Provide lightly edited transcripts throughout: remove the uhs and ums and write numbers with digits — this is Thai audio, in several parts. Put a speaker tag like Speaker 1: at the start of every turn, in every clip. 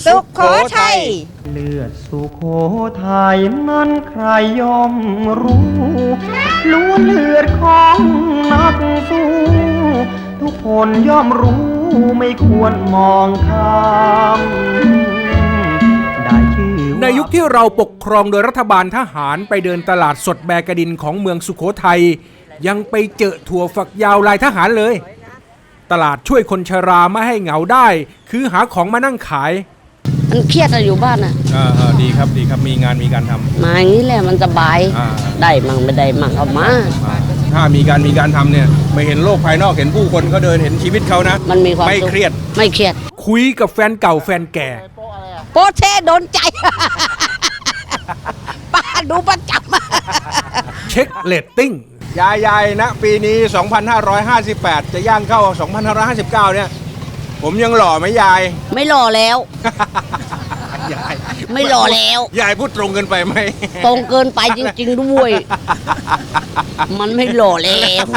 Speaker 1: สุโขทัย
Speaker 2: เลือดสุโขทัยนั้นใครย่อมรู้ล้วนเลือดของนักสู้ทุกคนย่อมรู้ไม่ควรมองข้ามได้ชื่อ
Speaker 3: ในยุคที่เราปกครองโดยรัฐบาลทหารไปเดินตลาดสดแบกระดินของเมืองสุโขทัยยังไปเจอถั่วฝักยาวลายทหารเลยตลาดช่วยคนชราไม่ให้เหงาได้คือหาของมานั่งขาย
Speaker 1: มันเครียดอยู่บ้านอ่ะ
Speaker 3: ดีครับดีครับมีงานมีการทำ
Speaker 1: มาอย่างนี้แหละมันสบายได้มั่งไม่ได้มั่งเอามา
Speaker 3: ถ้ามีการทำเนี่ยไม่เห็นโลกภายนอกเห็นผู้คนเขาเดินเห็นชีวิตเขานะ
Speaker 1: มันมีความ
Speaker 3: ไม่เครียด
Speaker 1: คุ
Speaker 3: ยกับแฟนเก่าแฟนแก่
Speaker 1: โปเช่โดนใจป้าดูประจ
Speaker 3: ำเช็คเรตติ้งยายนะปีนี้ 2558 จะย่างเข้า 2559 เนี่ยผมยังหล่อไหมยาย
Speaker 1: ไม่หล่อแล้ว
Speaker 3: ยาย
Speaker 1: ไม่หล่อแล้ว
Speaker 3: ยายพูดตรงเกินไปไหม
Speaker 1: ตรงเกินไปจริงๆด้วยมันไม่หล่อแล้ว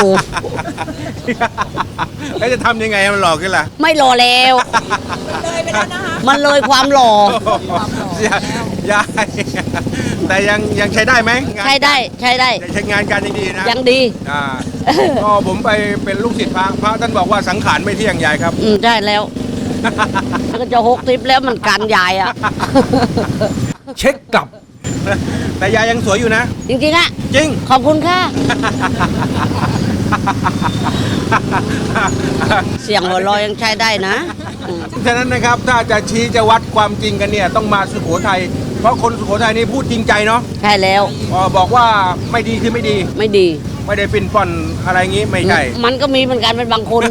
Speaker 3: แล้วจะทำยังไงให้มันหล่อขึ้นล่ะ
Speaker 1: ไม่หล่อแล้วเลยไปแล้วนะคะมันเลยความหล่
Speaker 3: อยายแต่ยังใช้ได้ไหม
Speaker 1: ใช้ได้
Speaker 3: ใช้งานการยังดีนะ
Speaker 1: ยังดี
Speaker 3: ก็ผมไปเป็นลูกศิษย์พระท่านบอกว่าสังขารไม่เที่ยงยายครับ
Speaker 1: ใช่แล้วก็จะ60แล้วมันการยายอ่ะ
Speaker 3: เช็คกลับแต่ยายยังสวยอยู่นะ
Speaker 1: จริงๆอ่ะ
Speaker 3: จริง
Speaker 1: ขอบคุณค่ะเสียงหัวเราะยังใช้ได้นะ
Speaker 3: ฉะนั้นนะครับถ้าจะชี้จะวัดความจริงกันเนี่ยต้องมาสุโขทัยเพราะคนสุโขทัยนี่พูดจริงใจเนาะ
Speaker 1: ใช่แล้ว
Speaker 3: บอกว่าไม่ดีคือไม่ดี
Speaker 1: ไม่
Speaker 3: ได้ปิ่นป่อนอะไรงี้ไม่ใช่
Speaker 1: มันก็มีเหมือนกันเป็นบางคน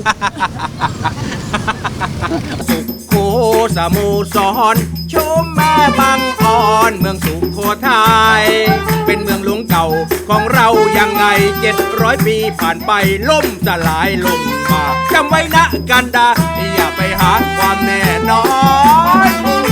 Speaker 3: สุโขสมุทรสรชมแม่บางอ่อนเมืองสุโขทัยเป็นเมืองหลวงเก่าของเรายังไง700 ปีผ่านไปล่มสลายลงมาจำไว้นะกันดาอย่าไปหาความแน่นอน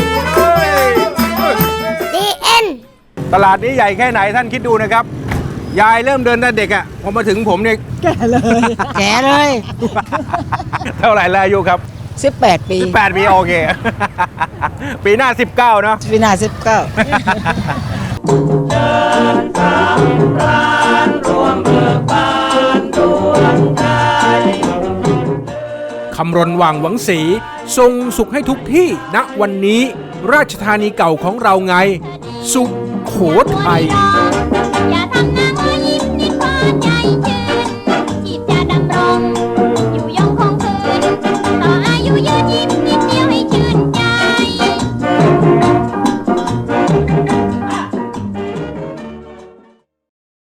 Speaker 3: DN ตลาดนี้ใหญ่แค่ไหนท่านคิดดูนะครับยายเริ่มเดินแต่เด็กอ่ะพอมาถึงผมเนี่ย
Speaker 1: แก่เลย
Speaker 3: เท่าไหร่แล้วอายุครับ
Speaker 1: 18 ปี
Speaker 3: 18 ปีโอเคปีหน้า19เนาะ
Speaker 1: ปีหน้า19
Speaker 3: คำรณว่างหวังศรีทรงสุขให้ทุกที่ณวันนี้ราชธานีเก่าของเราไงสุโขทัยอย่าทำนะ